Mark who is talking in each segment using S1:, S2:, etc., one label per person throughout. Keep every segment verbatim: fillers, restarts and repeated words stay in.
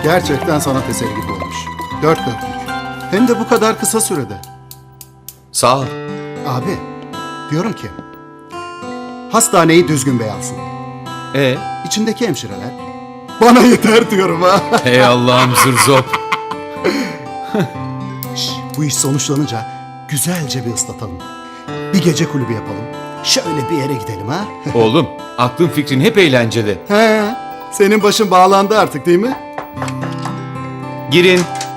S1: Gerçekten sanat eseri gibi olmuş. Dört dörtlük. Hem de bu kadar kısa sürede.
S2: Sağ ol.
S1: Abi, diyorum ki... Hastaneyi düzgün beyansın.
S2: Ee,
S1: İçindeki hemşireler... Bana yeter diyorum ha.
S2: hey Allah'ım zırzop.
S1: Şş, bu iş sonuçlanınca güzelce bir ıslatalım. Bir gece kulübü yapalım. Şöyle bir yere gidelim ha.
S2: Oğlum, aklın fikrin hep eğlencede.
S1: He, senin başın bağlandı artık değil mi?
S2: Girin.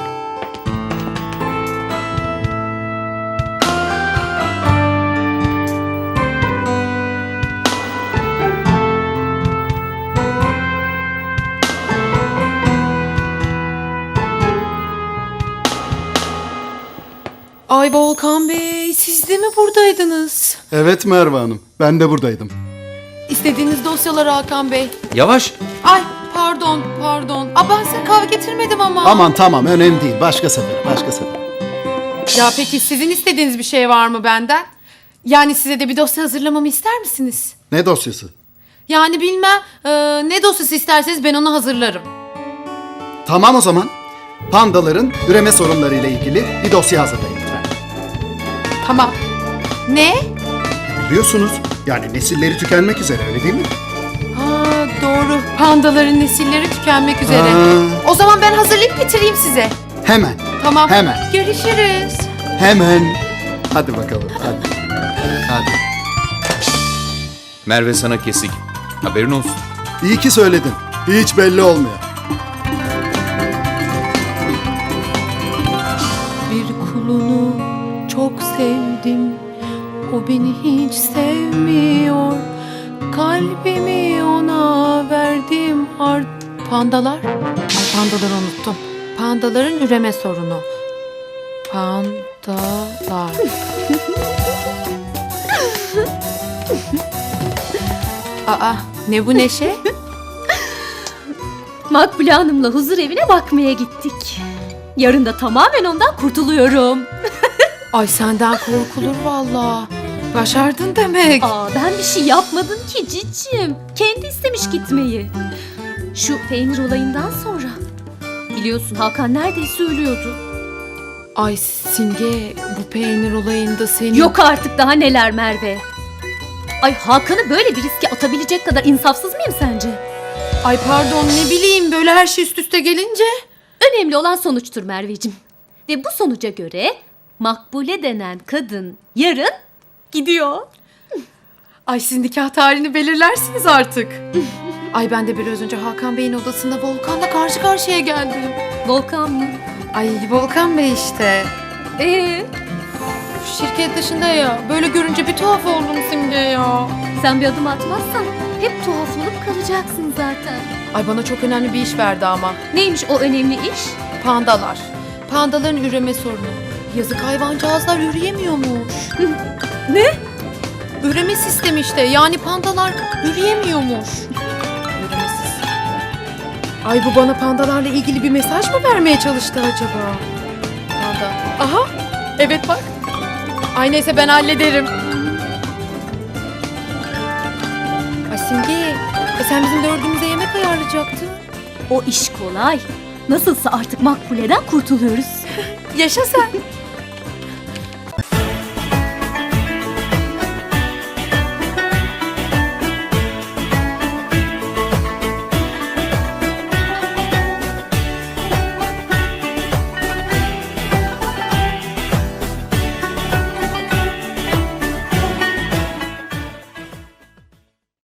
S3: Ay Volkan Bey, siz de mi buradaydınız?
S1: Evet Merve Hanım, ben de buradaydım.
S3: İstediğiniz dosyalar Hakan Bey.
S2: Yavaş.
S3: Ay pardon, pardon. Aa, ben size kahve getirmedim ama.
S1: Aman tamam, önemli değil. Başka sefer, başka sefer.
S3: Ya peki sizin istediğiniz bir şey var mı benden? Yani size de bir dosya hazırlamamı ister misiniz?
S1: Ne dosyası?
S3: Yani bilmem, e, ne dosyası isterseniz ben onu hazırlarım.
S1: Tamam o zaman. Pandaların üreme sorunlarıyla ilgili bir dosya hazırlayın lütfen.
S3: Tamam. Ne?
S1: Biliyorsunuz, yani nesilleri tükenmek üzere, öyle değil mi?
S3: Ha doğru. Pandaların nesilleri tükenmek üzere.
S1: Aa.
S3: O zaman ben hazırlayıp getireyim size.
S1: Hemen,
S3: Tamam.
S1: Hemen.
S3: Görüşürüz.
S1: hemen. Hadi bakalım, hadi.
S2: Hadi. Merve sana kesik. Haberin olsun.
S1: İyi ki söyledin. Hiç belli olmuyor.
S3: Bir kulunu çok sevdim. O beni hiç sevmiyor. Kalbimi ona verdim art... Pandalar? Ay pandaları unuttum. Pandaların üreme sorunu. Pandalar. Aa, ne bu neşe?
S4: Makbule Hanım'la huzur evine bakmaya gittik. Yarın da tamamen ondan kurtuluyorum.
S3: Ay senden korkulur valla. Başardın demek.
S4: Aa, ben bir şey yapmadım ki cicim. Kendi istemiş gitmeyi. Şu peynir olayından sonra. Biliyorsun Hakan neredeyse ölüyordu.
S3: Ay Simge, bu peynir olayında senin...
S4: Yok artık daha neler Merve. Ay Hakan'ı böyle bir riske atabilecek kadar insafsız mıyım sence?
S3: Ay pardon, ne bileyim, böyle her şey üst üste gelince.
S4: Önemli olan sonuçtur Merveciğim. Ve bu sonuca göre Makbule denen kadın yarın gidiyor.
S3: Ay siz nikah tarihini belirlersiniz artık. Ay ben de biraz önce Hakan Bey'in odasında Volkan'la karşı karşıya geldim.
S4: Volkan mı?
S3: Ay Volkan Bey işte.
S4: Ee,
S3: Şirket dışında ya. Böyle görünce bir tuhaf oldum Simge ya.
S4: sen bir adım atmazsan hep tuhaf olup kalacaksın zaten.
S3: Ay bana çok önemli bir iş verdi ama.
S4: Neymiş o önemli iş?
S3: Pandalar. Pandaların üreme sorunu. Yazık hayvancağızlar üreyemiyormuş.
S4: Ne?
S3: Üreme sistemi işte. Yani pandalar üreyemiyormuş. Üreme sistemi. Ay bu bana pandalarla ilgili bir mesaj mı vermeye çalıştı acaba? Panda. Aha. Evet bak. Ay neyse ben hallederim. Ay Simge. E sen bizim dördümüze yemek ayarlayacaktın.
S4: O iş kolay. Nasılsa artık Makbule'den kurtuluyoruz.
S3: Yaşa sen.